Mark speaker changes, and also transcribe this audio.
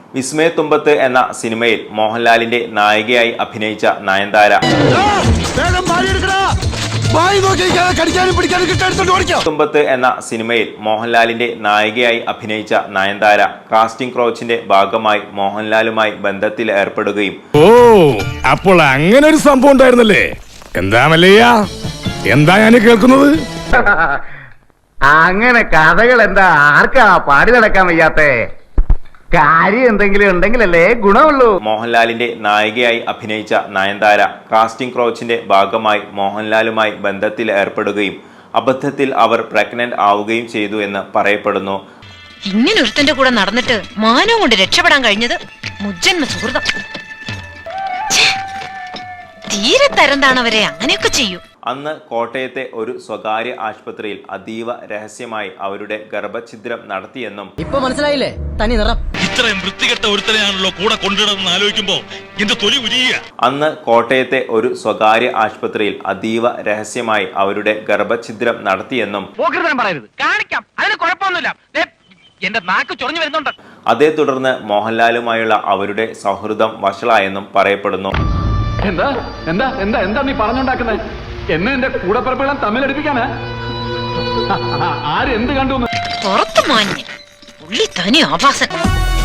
Speaker 1: വിസ്മയത്തുമ്പത്ത് എന്ന സിനിമയിൽ മോഹൻലാലിന്റെ നായികയായി അഭിനയിച്ച നയൻതാര തുമ്പത്ത് എന്ന സിനിമയിൽ മോഹൻലാലിന്റെ നായികയായി അഭിനയിച്ച നയൻതാര കാസ്റ്റിംഗ് ക്രൗച്ചിന്റെ ഭാഗമായി മോഹൻലാലുമായി ബന്ധത്തിൽ ഏർപ്പെടുകയും
Speaker 2: അപ്പോൾ അങ്ങനെ ഒരു സംഭവം ഉണ്ടായിരുന്നല്ലേ? എന്താ മല്ലയ്യ, എന്താ ഞാൻ കേൾക്കുന്നത്?
Speaker 3: അങ്ങനെ കഥകൾ എന്താ ആർക്കാ പാടി നടക്കാൻ വയ്യാത്തേ? കാര്യം എന്തെങ്കിലും ഉണ്ടെങ്കിലല്ലേ ഗുണമുള്ളൂ.
Speaker 1: മോഹൻലാലിന്റെ നായികയായി അഭിനയിച്ച നയൻതാര കാസ്റ്റിംഗ് ക്രൗച്ചിന്റെ ഭാഗമായി മോഹൻലാലുമായി ബന്ധത്തിൽ ഏർപ്പെടുകയും അബദ്ധത്തിൽ അവർ പ്രഗ്നന്റ് ആവുകയും ചെയ്തു എന്ന് പറയപ്പെടുന്നു.
Speaker 4: ഇങ്ങനെ ഒരുത്തന്റെ കൂടെ നടന്നിട്ട് മാനം കൊണ്ട് രക്ഷപ്പെടാൻ കഴിഞ്ഞത് മുജ്ജന്മ സുഹൃതം. തീരെ തരംതാണവരെ അങ്ങനെയൊക്കെ ചെയ്യൂ.
Speaker 1: അന്ന് കോട്ടയത്തെ ഒരു സ്വകാര്യ ആശുപത്രിയിൽ അതീവ രഹസ്യമായി അവരുടെ ഗർഭഛിദ്രം നടത്തിയെന്നും
Speaker 5: ഇപ്പൊ മനസ്സിലായില്ലേ തനി നിറം?
Speaker 6: ഇത്രയും വൃത്തികെട്ട ഒരുത്തനെയാണല്ലോ കൂടെ കൊണ്ടിടുന്ന ആലോചിക്കുമ്പോ എന്റെ തൊലി ഉരിയുക.
Speaker 1: അന്ന് കോട്ടയത്തെ ഒരു സ്വകാര്യ ആശുപത്രിയിൽ അതീവ രഹസ്യമായി അവരുടെ ഗർഭഛിദ്രം നടത്തിയെന്നും
Speaker 3: എന്റെ നാക്ക് ചൊറിഞ്ഞു വരുന്നുണ്ട്.
Speaker 1: അതേ തുടർന്ന് മോഹൻലാലുമായുള്ള അവരുടെ സൗഹൃദം വഷളായെന്നും പറയപ്പെടുന്നു.
Speaker 7: എന്താ എന്താ എന്താ എന്താ നീ പറഞ്ഞുണ്ടാക്കുന്നത്? എന്നെ എന്റെ കൂടപ്പിറപ്പുകളും തമ്മിലടിപ്പിക്കാനാ? ആരെന്ത് കണ്ടു?
Speaker 4: പുറത്തു മാഞ്ഞ് ഉള്ളി തനി ആഭാസൻ.